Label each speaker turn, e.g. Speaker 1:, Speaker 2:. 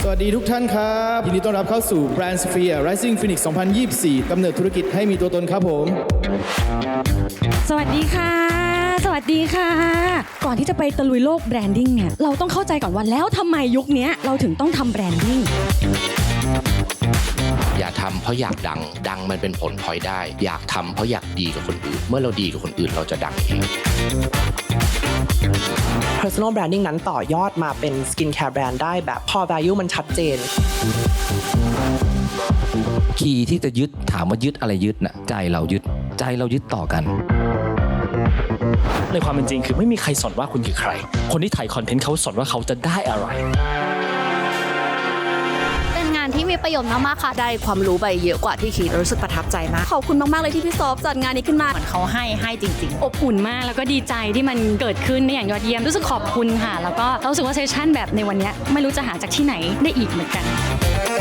Speaker 1: วัสดีทุกท่านครับยินดีต้อนรับเข้าสู่ Brand Sphere Rising Phoenix 2024 กำเนิดธุรกิจให้มีตัวตนครับผม
Speaker 2: สวัสดีค่ะ สวัสดีค่ะ ก่อนที่จะไปตะลุยโลกแบรนดิ้งเนี่ยเราต้องเข้าใจก่อนว่าแล้วทำไมยุคนี้เราถึงต้องทำแบรนดิ้ง
Speaker 3: อย่าทำเพราะอยากดัง ดังมันเป็นผลพลอยได้ อยากทำเพราะอยากดีกับคนอื่น เมื่อเราดีกับคนอื่นเราจะดังเอง
Speaker 4: Personal Branding นั้นต่อยอดมาเป็น Skincare Brand ได้แบบพอ value มันชัดเจน
Speaker 5: คีย์ที่จะยึดถามว่ายึดอะไรยึดน่ะใจเรายึดต่อกัน
Speaker 6: ในความเป็นจริงคือไม่มีใครสนว่าคุณคือใคร คนที่ถ่ายคอนเทนต์เขาสนว่าเขาจะได้อะไร
Speaker 7: เป็นงานที่มีประโยชน์มากๆค่ะ
Speaker 8: ได้ความรู้ไปเยอะกว่าที่คิดรู้สึกประทับใจมาก
Speaker 7: ขอบคุณมากๆเลยที่พี่ซอฟจัดงานนี้ขึ้นมา
Speaker 8: เหมือนเขาให้จริงๆ
Speaker 2: อบอุ่นมากแล้วก็ดีใจที่มันเกิดขึ้นได้อย่างยอดเยี่ยมรู้สึกขอบคุณค่ะ แล้วก็รู้สึกว่าเซสชั่นแบบในวันนี้ไม่รู้จะหาจากที่ไหนได้อีกเหมือนกัน